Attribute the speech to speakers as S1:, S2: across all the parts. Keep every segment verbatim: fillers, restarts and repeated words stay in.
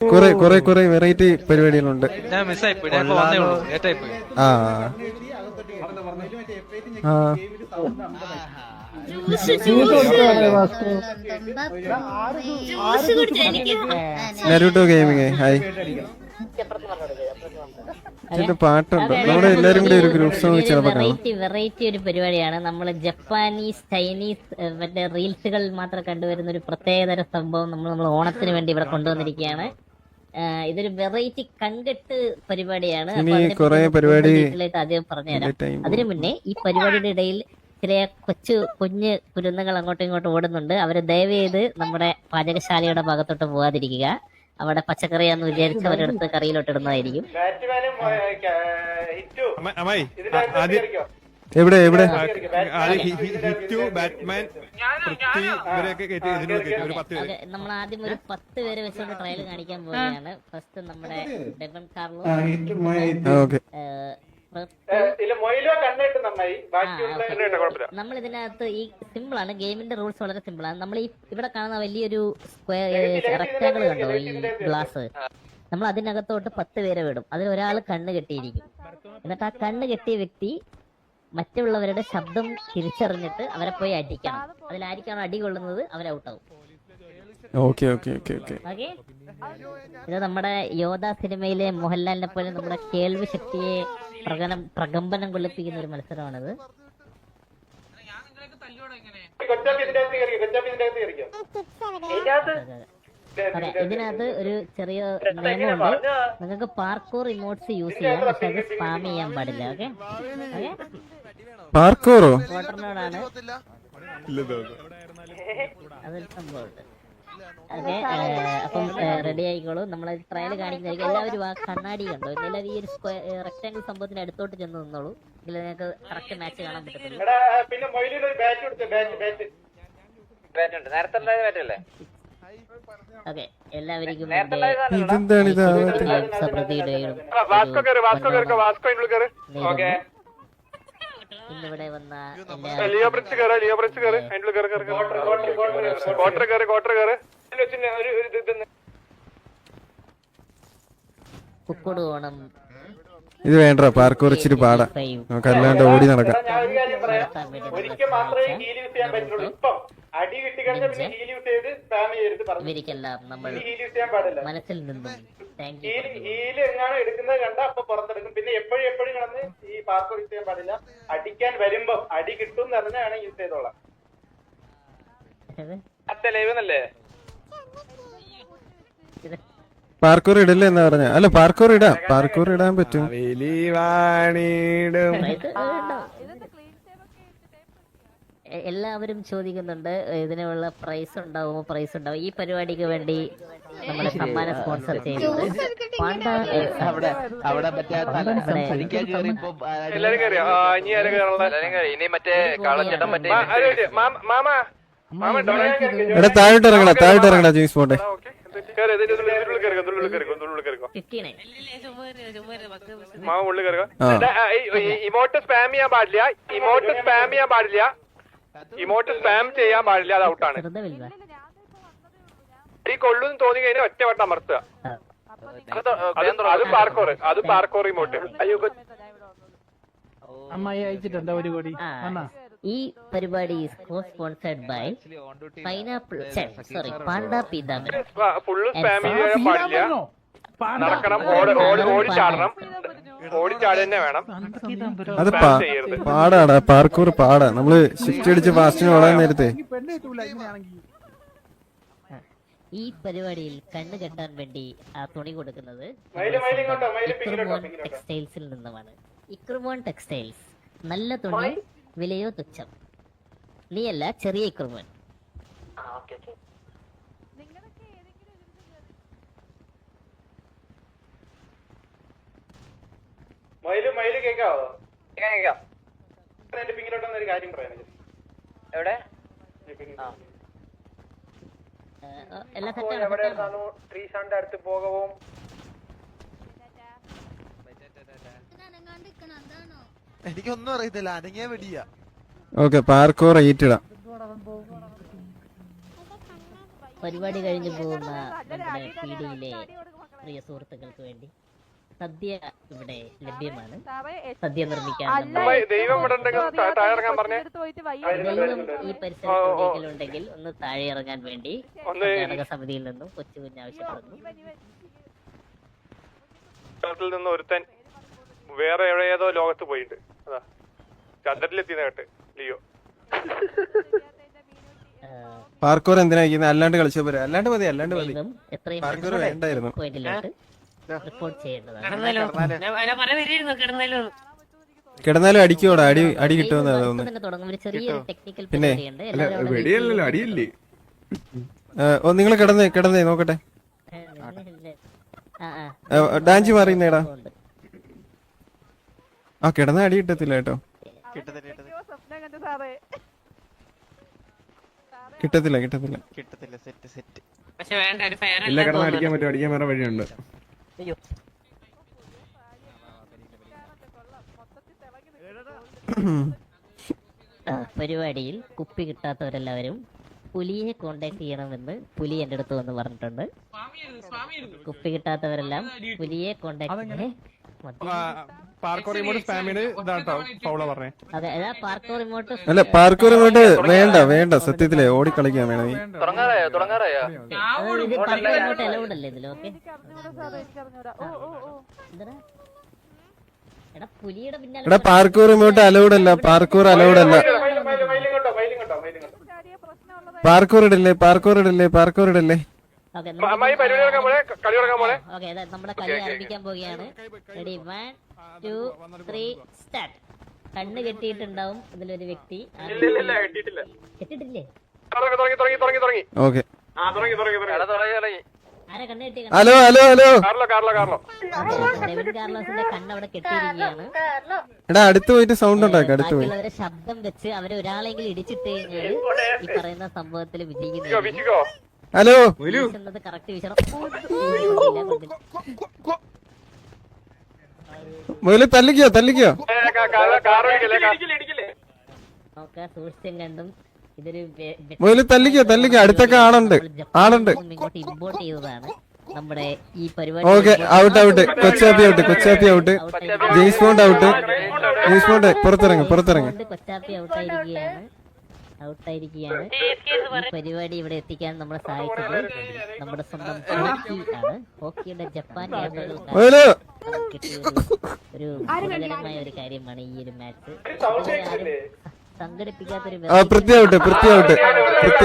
S1: കുറെ കുറെ കുറെ വെറൈറ്റി പരിപാടികളുണ്ട്.
S2: ഞാൻ മിസ്സായി പോയി. ഞാൻ ഇപ്പൊ വന്നേ ഉള്ളൂ. ലേറ്റായി പോയി.
S1: ആ ആ നരുട്ടോ ഗെയിമിങ് ഹായ്. ഇതിന്റെ പാട്ടുണ്ട്. നമ്മുടെ എല്ലാരും കൂടി ഒരു ഗ്രൂപ്പ് സോങ് ചിലപ്പോ കാണാം.
S3: വെറൈറ്റി ഒരു പരിപാടിയാണ്. നമ്മൾ ജപ്പാനീസ് ചൈനീസ് മറ്റേ റീൽസുകൾ മാത്രം കണ്ടുവരുന്ന ഒരു പ്രത്യേകതര സംഭവം നമ്മൾ നമ്മൾ ഓണത്തിന് വേണ്ടി ഇവിടെ കൊണ്ടുവന്നിരിക്കുകയാണ്. ഇതൊരു വെറൈറ്റി കൺകെട്ട് പരിപാടിയാണ്. ആദ്യം പറഞ്ഞുതരാം. അതിനു മുന്നേ ഈ പരിപാടിയുടെ ഇടയിൽ ചില കൊച്ചു കുഞ്ഞ് കുരുന്നുകൾ അങ്ങോട്ടും ഇങ്ങോട്ടും ഓടുന്നുണ്ട്. അവര് ദയവ് ചെയ്ത് നമ്മുടെ പാചകശാലയുടെ ഭാഗത്തോട്ട് പോകാതിരിക്കുക. അവിടെ പച്ചക്കറിയാന്ന് വിചാരിച്ച് അവരെടുത്ത് കറിയിലോട്ട് ഇടുന്നതായിരിക്കും.
S1: എവിടെ എവിടെ
S3: നമ്മൾ ആദ്യം ഒരു പത്ത് പേരെ വെച്ചുകൊണ്ട് ട്രയൽ കാണിക്കാൻ പോവുകയാണ്. ഫസ്റ്റ് നമ്മുടെ ഡെവൻ കാർലോ, നമ്മൾ ഇതിനകത്ത് ഈ സിമ്പിൾ ആണ്. ഗെയിമിന്റെ റൂൾസ് വളരെ സിമ്പിൾ ആണ്. നമ്മൾ ഈ ഇവിടെ കാണുന്ന വലിയൊരു സ്ക്വയർ റെക്ടാങ്കിൾ കണ്ടോ ഈ ഗ്ലാസ്, നമ്മൾ അതിനകത്തോട്ട് പത്ത് പേരെ വിടും. അതിൽ ഒരാൾ കണ്ണ് കെട്ടിയിരിക്കും. എന്നിട്ട് ആ കണ്ണ് കെട്ടിയ വ്യക്തി മറ്റുള്ളവരുടെ ശബ്ദം തിരിച്ചറിഞ്ഞിട്ട് അവരെ പോയി അടിക്കണം. അതിലായിരിക്കാണോ അടി കൊള്ളുന്നത് അവർ ഔട്ടാവും.
S1: Okay okay okay okay
S3: okay ഇത് നമ്മുടെ യോധ സിനിമയിലെ മോഹൻലാലിനെ പോലെ നമ്മുടെ കേൾവി ശക്തിയെ പ്രകടനം പ്രകമ്പനം കൊള്ളിപ്പിക്കുന്ന ഒരു മത്സരമാണിത്. അതെ, ഇതിനകത്ത് ഒരു ചെറിയ നിയമമുണ്ട്. നിങ്ങൾക്ക് പാർക്കോർ ഇമോട്ട്സ് യൂസ് ചെയ്യാം, പക്ഷെ അത് സ്പാം ചെയ്യാൻ പാടില്ല. ഓക്കെ ഓക്കെ
S1: പാർക്കോറോ
S3: വോട്ടറിനോടാണ് അതൊരു സംഭവമുണ്ട്. ഓക്കെ അപ്പം റെഡി ആയിക്കോളൂ. നമ്മൾ ട്രയൽ കാണിക്കുന്നതായിരിക്കും. എല്ലാവരും ആ കണ്ണാടി കണ്ടോ, എല്ലാവരും ഈ ഒരു സ്ക്വയർ റെക്ടാങ്കിൾ സംഭവത്തിന്റെ അടുത്തോട്ട് ചെന്ന് നിന്നോളൂ. എങ്കിൽ നിങ്ങൾക്ക് കറക്റ്റ് മാച്ച് കാണാൻ പറ്റത്തുള്ളൂ. ഓക്കെ എല്ലാവർക്കും ഇന്നിവിടെ വന്ന കുക്കുട് ഓണം.
S1: ഇത് വേണ്ട പാർക്കോർ ഇച്ചിരി പാടാ, നമുക്ക് അല്ലാണ്ട് ഓടി നടക്കാം.
S3: ഇവർക്കെല്ലാം നമ്മൾ മനസ്സിൽ നിന്നും
S4: എടുക്കുന്നത് കണ്ട അപ്പൊ പുറത്തെടുക്കും. പിന്നെ എപ്പോഴും എപ്പോഴും കിടന്ന് ഈ പാർക്കോർ യൂസ് ചെയ്യാൻ പാടില്ല. അടിക്കാൻ വരുമ്പോ അടി കിട്ടും എന്ന് അറിഞ്ഞാണ് യൂസ് ചെയ്തോളാം.
S1: പാർക്കോർ ഇടല്ലേ എന്നാ പറഞ്ഞ? അല്ല പാർക്കോർ ഇടാം, പാർക്കോർ ഇടാൻ പറ്റും.
S3: എല്ലാവരും ചോദിക്കുന്നുണ്ട് ഇതിനുള്ള പ്രൈസ് ഉണ്ടാവുമോ? പ്രൈസ് ഉണ്ടാവും. ഈ പരിപാടിക്ക് വേണ്ടി നമ്മുടെ സമ്മാനം സ്പോൺസർ ചെയ്യുന്നത്
S1: എടാ താഴോട്ട് ഇറങ്ങണ, താഴോട്ട് ഇറങ്ങണ ജെയിംസ് പോട്ടെ.
S4: ഇമോട്ട് സ്പാം ചെയ്യാൻ പാടില്ല, ഇമോട്ട് സ്പാം ചെയ്യാൻ പാടില്ല, ഇമോട്ട് സ്പാം ചെയ്യാൻ പാടില്ല. അത് ഔട്ടാണ്. ഈ കൊള്ളുന്ന് തോന്നി കഴിഞ്ഞാൽ ഒറ്റ വട്ടം അമർത്തുക. അത് പാർക്കോർ, അത് പാർക്കോർ ഇമോട്ട്. അയ്യോ
S5: അമ്മായി അയച്ചിട്ടുണ്ട് ഒരു കോടി.
S3: ഈ പരിപാടി സ്പോൺസർഡ് ബൈ പൈനാപ്പിൾ സോറി പാണ്ട പീതാമൻ.
S4: ഫുള്ള് സ്പാം ചെയ്യാൻ പാടില്ല. നടക്കണം, ഓടി ചാടണം, ഓടി ചാടി തന്നെ വേണം.
S1: അത് പാടാടാ, പാർക്കൂർ പാടാ. നമ്മള് ഷിഫ്റ്റ് അടിച്ച് ഫാസ്റ്റിന് ഓടാൻ നേരത്തെ
S3: ഈ പരിപാടിയിൽ കണ്ണ് കെട്ടാൻ വേണ്ടി ആ തുണി കൊടുക്കുന്നത് ടെക്സ്റ്റൈൽസിൽ നിന്നുമാണ്. ഇക്രുമോൺ ടെക്സ്റ്റൈൽസ്, നല്ല തുണി, വിലയോ തുച്ഛം. നീയല്ല, ചെറിയ ഇക്രുമോൻ.
S4: മയില് മയില് കേക്കാവോ? എന്റെ പിങ്ങിലോട്ടൊന്നും ഒരു കാര്യം പറയാൻ. എവിടെ ട്രീസാന്റെ അടുത്ത് പോകവും.
S6: എനിക്കൊന്നും അറിയത്തില്ല, അനങ്ങിയ വെടിയ.
S1: ഓക്കെ പാർക്കോർ എയ്റ്റ് ഇടാം.
S3: പരിപാടി കഴിഞ്ഞു പോകുന്ന നമ്മുടെ പീഡിയിലെ പ്രിയ സുഹൃത്തുക്കൾക്ക് വേണ്ടി സദ്യ ഇവിടെ ലഭ്യമാണ്. സദ്യ നിർമ്മിക്കാൻ നമ്മുടെ
S4: ദൈവം ഇവിടെ ഉണ്ടെങ്കിൽ താഴെ ഇറങ്ങാൻ പറഞ്ഞേ.
S3: ദൈവം ഈ പരിസരത്ത് ഉണ്ടെങ്കിൽ ഒന്ന് താഴെ ഇറങ്ങാൻ വേണ്ടി കർണാടക സമിതിയിൽ നിന്നും കൊച്ചു കുഞ്ഞ് ആവശ്യപ്പെടുന്നു.
S4: ിൽ നിന്ന് ഒരുത്തൻ വേറെ എവിടെയേതോ ലോകത്ത് പോയിട്ടുണ്ട്. അതാ ചന്ദ്രനിലെത്തിയെന്ന് കേട്ട് ലിയോ.
S1: പാർക്കോർ എന്തിനാ ഇരിക്കുന്നത്? അല്ലാണ്ട് കളിച്ചാൽ പോരെ. അല്ലാണ്ട് മതി, അല്ലാണ്ട് മതി.
S3: ദൈവം എത്രയും
S1: പാർക്കോർ വേണ്ടായിരുന്നു.
S3: പോയിന്റിലോട്ട് റിപ്പോർട്ട് ചെയ്യേണ്ടതാണ്.
S1: കിടന്നാലും അടിക്കോടാ, അടി അടി കിട്ടുമെന്ന് തോന്നുന്നു.
S3: തന്നെ തുടങ്ങും. ഒരു ചെറിയൊരു ടെക്നിക്കൽ പരിപാടിയുണ്ട്.
S5: വെടിയല്ലല്ലോ, അടിയല്ലേ?
S1: ഓ നിങ്ങൾ കിടന്നേ കിടന്നേ നോക്കട്ടെ. ഡാൻസ് മാറിയുന്നേടാ. ആ കിടന്ന അടി കിട്ടത്തില്ല കേട്ടോ, കിട്ടത്തില്ല കിട്ടത്തില്ല.
S5: ഇല്ല, കിടന്ന് അടിക്കാൻ പറ്റും, അടിക്കാൻ വേറെ വഴിയുണ്ട്.
S3: പരിപാടിയിൽ കുപ്പി കിട്ടാത്തവരെല്ലാവരും പുലിയെ കോണ്ടാക്ട് ചെയ്യണമെന്ന് പുലി എന്റെ അടുത്ത് വന്ന് പറഞ്ഞിട്ടുണ്ട്. കുപ്പി കിട്ടാത്തവരെല്ലാം പുലിയെ കോണ്ടാക്ട്
S1: അല്ല പാർക്കോർ ഇങ്ങോട്ട് വേണ്ട വേണ്ട, സത്യത്തിലേ ഓടി കളിക്കാൻ വേണമെങ്കിൽ.
S3: അലൗഡ് അല്ലേ ഇതിൽ? ഓക്കെ എടാ പുലിയുടെ പിന്നാലെ
S1: എടാ പാർക്കൂർ ഇങ്ങോട്ട് അലൗഡ് അല്ല, പാർക്കൂർ അലൗഡ് അല്ല. പാർക്കൂർ ഇടല്ലേ, പാർക്കൂർ ഇടല്ലേ, പാർക്കൂർ ഇടല്ലേ.
S3: നമ്മുടെ കളി ആരംഭിക്കാൻ പോവുകയാണ്. Ready, one two three start. കണ്ണ് കെട്ടിയിട്ടുണ്ടാവും ഇതിലൊരു വ്യക്തി. കെട്ടിട്ടില്ലേ?
S1: ഓക്കെ.
S3: ആരാ കണ്ണ് കെട്ടി?
S1: Hello hello hello.
S3: ഡെവിൻ കാർലോസിന്റെ കണ്ണ് അവിടെ കെട്ടിയിരിക്കുകയാണ്.
S1: എടാ അടുത്ത് പോയിട്ട് സൗണ്ട് ഉണ്ടാക്കാം. അടുത്ത് പോയി
S3: ബാക്കിയുള്ളവരെ ശബ്ദം വെച്ച് അവരെ ഒരാളെങ്കിലും ഇടിച്ചിട്ട് കഴിഞ്ഞാൽ ഈ പറയുന്ന സംഭവത്തിൽ വിജയിക്കുന്നത്.
S1: ഹലോ
S3: കറക്റ്റ് വിഷയം.
S1: മുതല് തല്ലിക്കോ തല്ലിക്കോ.
S3: നോക്ക സൂക്ഷിച്ചും കണ്ടും ഇതൊരു
S1: മുതല് തല്ലിക്കോ തല്ലിക്കോ. അടുത്തൊക്കെ ആളുണ്ട്, ആളുണ്ട്.
S3: ഇങ്ങോട്ട് ഇമ്പോർട്ട് ചെയ്തതാണ് നമ്മുടെ ഈ പരിപാടി.
S1: Okay, out out. Kochappi out, Kochappi out. James Bond out. James Bond പുറത്തിറങ്ങി പുറത്തിറങ്ങി.
S3: കൊച്ചാപ്പി ഔട്ടായിരിക്കുകയാണ് ഔട്ടായിരിക്കുകയാണ്. ഈ പരിപാടി ഇവിടെ എത്തിക്കാൻ നമ്മളെ സഹായിച്ചത് നമ്മുടെ സ്വന്തം ഹോക്കി ആണ്. ഹോക്കിയുടെ ജപ്പാൻ ക്യാമ്പുകൾക്ക് ഒരു ഗുണകരമായ ഒരു കാര്യമാണ് ഈ ഒരു മാച്ച്. സംഘടിപ്പിക്കാത്തൊരു
S1: Prithvi out, Prithvi out, Prithvi.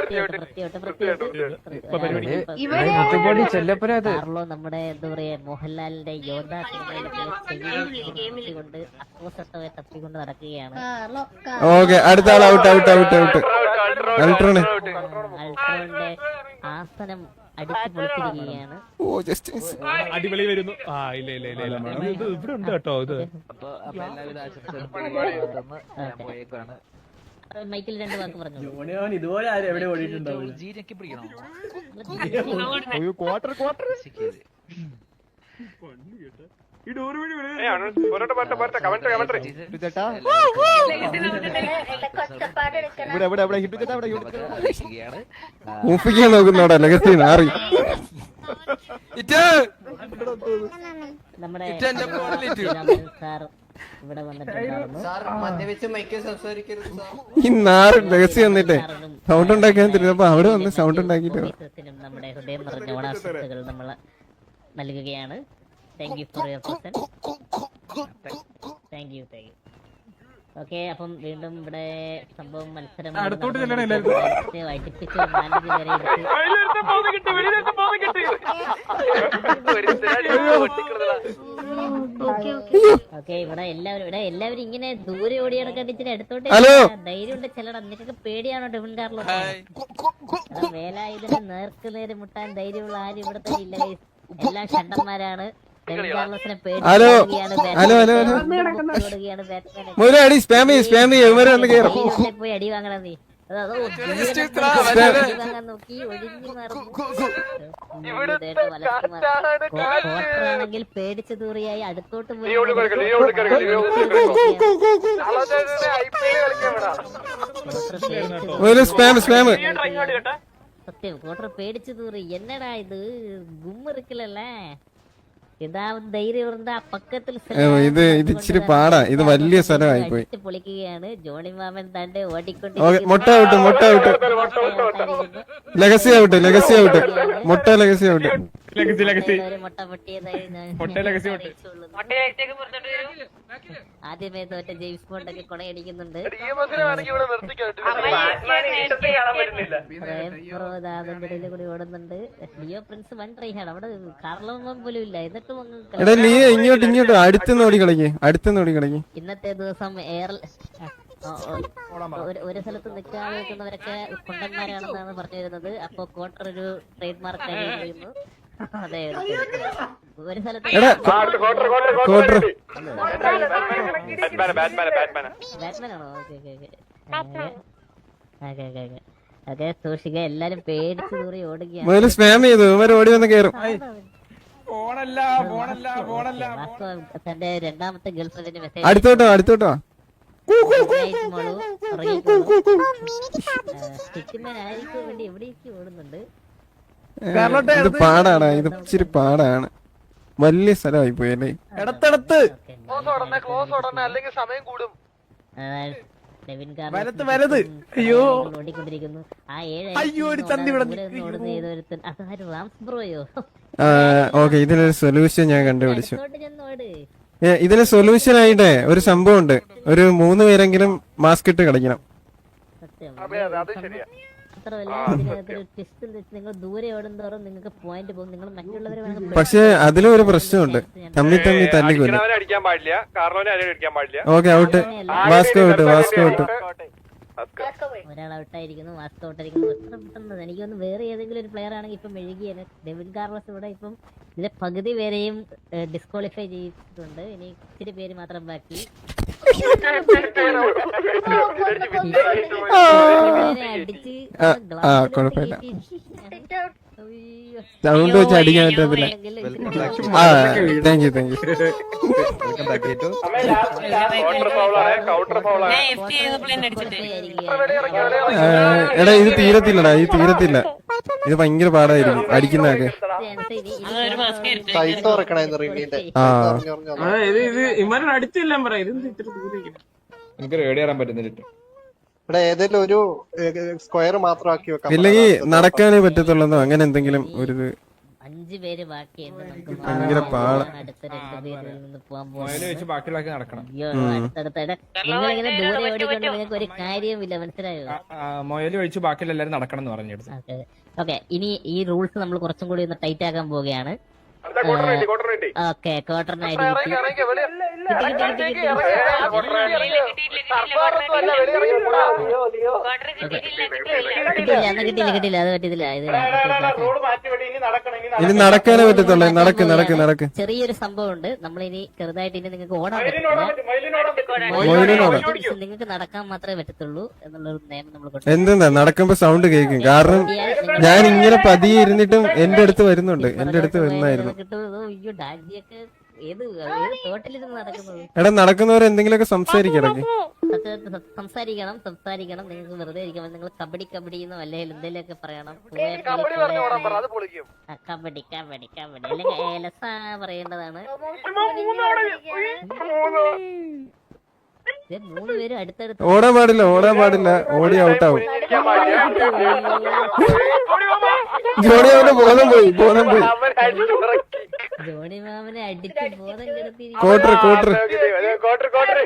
S3: Carlo നമ്മുടെ എന്താ പറയാ മോഹൻലാലിന്റെ യോദ്ധ സിനിമയിലൊക്കെ കൊണ്ട് അക്രോശത്തോടെ തപ്പിക്കൊണ്ട് നടക്കുകയാണ്.
S1: ഓക്കെ, അടുത്ത ആൾ out out out out. Ultron
S3: അൾട്രോന്റെ ആസനം അടിച്ചു പൊളിച്ചിരിക്കുകയാണ്.
S7: അടിപൊളി വരുന്നു. ആ ഇല്ല ഇല്ല ഇല്ല ഇല്ല ഇത് ഇവിടെ ഉണ്ട് കേട്ടോ. ഇത്
S3: മൈക്കിൽ രണ്ട് വാക്ക് പറഞ്ഞു.
S7: ഇതുപോലെ ആരും എവിടെ ഓടിയിട്ടുണ്ടാവും. ക്വാർട്ടർ ക്വാർട്ടർ ഈ ഡോർ വഴി
S1: ഊപ്പിക്കാൻ നോക്കുന്നോടാ ലഗസി നാറി.
S3: നമ്മുടെ സാർ ഇവിടെ വന്നിട്ടുണ്ടായിരുന്നു.
S1: ഈ നാറ് ലഗസി വന്നിട്ടേ സൗണ്ട് ഉണ്ടാക്കാൻ തരുന്നപ്പോ അവിടെ വന്ന് സൗണ്ട് ഉണ്ടാക്കിട്ട്
S3: നമ്മുടെ ഹൃദയം നിറഞ്ഞ ഓണാശംസകൾ നമ്മൾ നൽകുകയാണ്. Thank you for your presence. Thank you thank you. Okay, അപ്പം വീണ്ടും ഇവിടെ സംഭവം മത്സരം വൈകിപ്പിച്ച് നാലഞ്ച് പേരെ ഓക്കെ. ഇവിടെ എല്ലാവരും ഇവിടെ എല്ലാവരും ഇങ്ങനെ ദൂരെ ഓടി നടക്കാൻ ഇച്ചിരി അടുത്തോട്ട് ധൈര്യം ഉണ്ട് ചിലട. നിനക്കൊക്കെ പേടിയാണോ ഡെവിൻ കാർലോ? വേലായുധന് നേർക്ക് നേരെ മുട്ടാൻ ധൈര്യമുള്ള ആരും ഇവിടെ തന്നെ ഇല്ല. എല്ലാം ഷണ്ടന്മാരാണ്.
S1: Hello hello hello hello. അടി സ്പാമി സ്പാമി ഇവരെ ഒന്ന് കേറും.
S3: പോയി അടി വാങ്ങണം നീ. നോക്കി ഒഴിഞ്ഞു കോട്ടറാണെങ്കിൽ പേടിച്ചു തൂറിയായി അടുത്തോട്ട് പോയി.
S1: സ്പാം സ്പാം
S3: സത്യം കോട്ടർ പേടിച്ചു തൂറി എന്നടാ ഇത് ഗുമ്മിറിക്കലല്ല ഇതാവും ധൈര്യം இருந்தா പക്കത്തിൽ
S1: ഇത് ഇത് ഇച്ചിരി പാടാ ഇത് വലിയ സ്ഥലമായി പോയി
S3: പൊളിക്കുകയാണ് ജോണി മാമൻ താണ്ട് ഓടിക്കൊണ്ട്
S1: മുട്ട ഔട്ട് മുട്ട out legacy out legacy out മുട്ട ലെഗസി ഔട്ട്
S7: ലെഗസി ലെഗസി
S3: മുട്ട പൊട്ടിയതായി ഞാൻ
S7: മുട്ട ലെഗസി മുട്ട
S3: ആദ്യമേ തോറ്റ ജെയിംസ് ബോണ്ട് ഒക്കെ കൊണയടിക്കുന്നുണ്ട് കൂടി ഓടുന്നുണ്ട് ലിയോ പ്രിൻസ് വൺ ട്രൈ ആണ് അവിടെ കാർലോമം പോലും ഇല്ല എന്നിട്ടും അങ്ങ്
S1: എടാ നീ ഇങ്ങോട്ട് ഇങ്ങോട്ട് അടുത്തുനിന്ന് ഓടി കളിക്ക് അടുത്തുനിന്ന് ഓടി കളിക്ക്
S3: ഇന്നത്തെ ദിവസം എയർ ഒരു സ്ഥലത്ത് നിൽക്കാതെ നിൽക്കുന്നവരൊക്കെ കുണ്ടന്മാരാണെന്നാണ് പറഞ്ഞു വരുന്നത് അപ്പൊ ക്വാർട്ടർ ഒരു ട്രേഡ് മാർക്ക് കഴിയുന്നു അതെ ഒരു സ്ഥലത്ത്
S1: കോട്ടർ
S3: ബാറ്റ്മാനാണോ okay okay okay okay okay okay സൂക്ഷിക്കുക എല്ലാരും പേടിച്ചു തൂറി ഓടുകയാണ്
S1: മുതൽ സ്പാം ചെയ്തു ഇവര് ഓടി വന്ന് കയറും
S7: ഫോണല്ല ഫോണല്ല ഫോണല്ല
S3: വാസ്തവം തന്റെ രണ്ടാമത്തെ ഗേൾ ഫ്രണ്ടിന്റെ മെസ്സേജ്
S1: അടുത്തോട്ടോ അടുത്തോട്ടോ
S3: ആയിരിക്കും വേണ്ടി എവിടേക്ക് ഓടുന്നുണ്ട്
S1: ഇത് പാടാണ് ഇത് ഇച്ചിരി പാടാണ് വലിയ സ്ഥലമായി പോയി അല്ലേ
S6: ഇടത്തടത്ത്
S4: അല്ലെങ്കിൽ സമയം കൂടും
S3: ഡെവിൻ
S6: വലത്ത് വലത് അയ്യോ
S3: ഓടിക്കൊണ്ടിരിക്കുന്നു ആ ഏഴ്
S6: അയ്യോ, ഒരു ചന്തി ഇവിടെ
S3: ഓടുന്ന ഏതൊരുത്തൻ അതാരും റാംസ് ബ്രോയോ
S1: ഓക്കെ ഇതിനൊരു സൊല്യൂഷൻ ഞാൻ കണ്ടുപിടിച്ചു
S3: അങ്ങോട്ട് ചെന്നോട്
S1: ഏ, ഇതിന് സൊല്യൂഷൻ ആയിട്ടേ ഒരു സംഭവം ഉണ്ട് ഒരു മൂന്ന് പേരെങ്കിലും മാസ്ക് ഇട്ട് കളിക്കണം
S3: സത്യം
S4: അത് ശരിയാ
S3: മാത്രമല്ല ഇതിനകത്തൊരു ട്വിസ്റ്റ് എന്ന് വെച്ചാൽ നിങ്ങൾ ദൂരെ ഓടുന്നതോറും നിങ്ങൾക്ക് പോയിന്റ് പോകും നിങ്ങൾ മറ്റുള്ളവരെ വേണമെങ്കിൽ
S1: പക്ഷെ അതിലും ഒരു പ്രശ്നമുണ്ട് തമ്മി തമ്മി തല്ലിക്കൊല്ലും
S4: അവനെ അടിക്കാൻ പാടില്ല കാർലോനെ ആരെയും അടിക്കാൻ പാടില്ല
S1: okay out Vasco out Vasco out
S3: ഒരാൾ ഔട്ടായിരിക്കുന്നു വാസ്കോ ഔട്ടായിരിക്കുന്നു എത്ര പെട്ടെന്ന് എനിക്ക് തോന്നുന്നു വേറെ ഏതെങ്കിലും ഒരു പ്ലെയർ ആണെങ്കിൽ ഇപ്പം മെഴുകിയാണ് ഡെവിൻ കാർലോസ് ഇവിടെ ഇപ്പം ഇതിലെ പകുതി പേരെയും ഡിസ്ക്വാളിഫൈ ചെയ്തിട്ടുണ്ട് ഇനി ഇച്ചിരി പേര് മാത്രം ബാക്കി അടിച്ച്
S1: ആ കുഴപ്പമില്ല സൗണ്ട് വെച്ച് അടിക്കാൻ പറ്റത്തില്ല ആ thank you thank you
S4: counter ഫൗളാണ് കൗണ്ടർ ഫൗളാണ്
S1: എടാ ഇത് തീരത്തില്ലടാ ഇത് തീരത്തില്ല ഇത് ഭയങ്കര പാടായിരിക്കും അടിക്കുന്നതൊക്കെ ആ
S5: ഇത് ഇത് ഇമാരോട് അടുത്തെല്ലാം പറയാം ഇത് ഇത്ര ദൂരെ എനിക്ക് റേഡി കയറാൻ പറ്റുന്നില്ല
S8: ഇവിടെ ഏതെങ്കിലും ഒരു സ്ക്വയർ മാത്രമാക്കി വെക്കാം
S1: ഇല്ലെങ്കിൽ നടക്കാനേ പറ്റത്തുള്ളതോ അങ്ങനെ എന്തെങ്കിലും ഒരു ഇത്
S3: അഞ്ചു പേര് ബാക്കിയുണ്ട് നമുക്ക്
S1: ഭയങ്കര പാടാ
S3: അടുത്ത രണ്ട് പേരിൽ നിന്ന് പോകാൻ
S5: മൊബൈൽ വെച്ച് ബാക്കിയുള്ളതൊക്കെ നടക്കണം
S3: അയ്യോ അടുത്തടുത്ത നിങ്ങൾ ഇങ്ങനെ ദൂരെ ഓടിക്കൊണ്ട് നിങ്ങൾക്ക് ഒരു കാര്യവുമില്ല മനസ്സിലായോ
S5: മൊബൈൽ ഒഴിച്ച് ബാക്കിയുള്ള എല്ലാരും നടക്കണം എന്ന് പറഞ്ഞെടുത്ത്
S3: ഓക്കെ ഓക്കെ ഇനി ഈ റൂൾസ് നമ്മൾ കുറച്ചും കൂടി ഒന്ന് ടൈറ്റ് ആക്കാൻ പോവുകയാണ് ഓക്കെ ക്വാർട്ടറിനായിട്ട് കിട്ടിയില്ല കിട്ടിയില്ല കിട്ടിയില്ല അത് പറ്റത്തില്ല ഇത്
S1: ഇനി നടക്കാനേ പറ്റത്തുള്ളൂ നടക്ക് നടക്ക് നടക്ക്
S3: ചെറിയൊരു സംഭവം ഉണ്ട് നമ്മളിനി ചെറുതായിട്ട് ഇനി നിങ്ങൾക്ക് ഓടാൻ
S1: മൊയിലിനോടാ
S3: പറ്റില്ല നിങ്ങൾക്ക് നടക്കാൻ മാത്രമേ പറ്റത്തുള്ളൂ എന്നുള്ളൊരു നിയമം നമ്മൾ കൊണ്ടുവന്നു.
S1: എന്തെന്നാ നടക്കുമ്പോ സൗണ്ട് കേൾക്കും കാരണം ഞാൻ ഇങ്ങനെ പതിയെ ഇരുന്നിട്ടും എന്റെ അടുത്ത് വരുന്നുണ്ട് എന്റെ അടുത്ത് വരുന്നായിരുന്നു
S3: കിട്ടുന്നത് അയ്യോ ഡാജിയൊക്കെ ഏത് ഏത് തോട്ടിലിരുന്ന് നടക്കുന്നത്
S1: എടാ നടക്കുന്നവർ എന്തെങ്കിലുമൊക്കെ സംസാരിക്കിടക്ക്
S3: സത്യത്തിൽ സ- സംസാരിക്കണം സംസാരിക്കണം നിങ്ങൾക്ക് വെറുതെ ഇരിക്കുമ്പോൾ നിങ്ങൾ കബഡി കബഡി എന്നോ അല്ലെങ്കിൽ എന്തെങ്കിലുമൊക്കെ പറയണം പൂവേ കളി, പൂവേ
S4: അത് പൊളിക്കും
S3: ആ, കബഡി കബഡി കബഡി അല്ലെങ്കിൽ ഏലസ പറയേണ്ടതാണ് ഇത് മൂന്ന് പേരും അടുത്തടുത്ത്
S1: ഓടാൻ പാടില്ല ഓടാൻ പാടില്ല ഓടി ഔട്ടാവും ജോണി അവന്റെ ബോധം പോയി ബോധം പോയി
S3: ജോണി മാമനെ അടിച്ച് ബോധം കെടുത്തിരിക്കും
S1: കോട്ടർ കോട്ടർ
S4: കോട്ടർ കോട്ടർ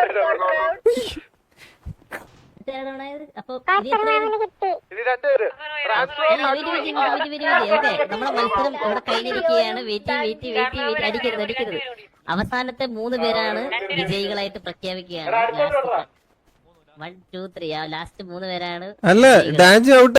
S3: അപ്പൊ ഇനി എത്ര പേര്?
S4: ഇത് രണ്ടുപേര്
S3: അല്ല, wait, wait, wait, wait, wait, wait. Okay, നമ്മളെ മത്സരം ഇവിടെ കഴിഞ്ഞിരിക്കുകയാണ് വെയിറ്റ് വെയിറ്റ് വെയിറ്റ് വെയിറ്റ് അടിക്കരുത് അടിക്കരുത് അവസാനത്തെ മൂന്ന് പേരാണ് വിജയികളായിട്ട് പ്രഖ്യാപിക്കുകയാണ് ലാസ്റ്റ് വൺ ടു ത്രീ ആ ലാസ്റ്റ് മൂന്ന് പേരാണ്
S1: അല്ല ഡാൻസ് ഔട്ട്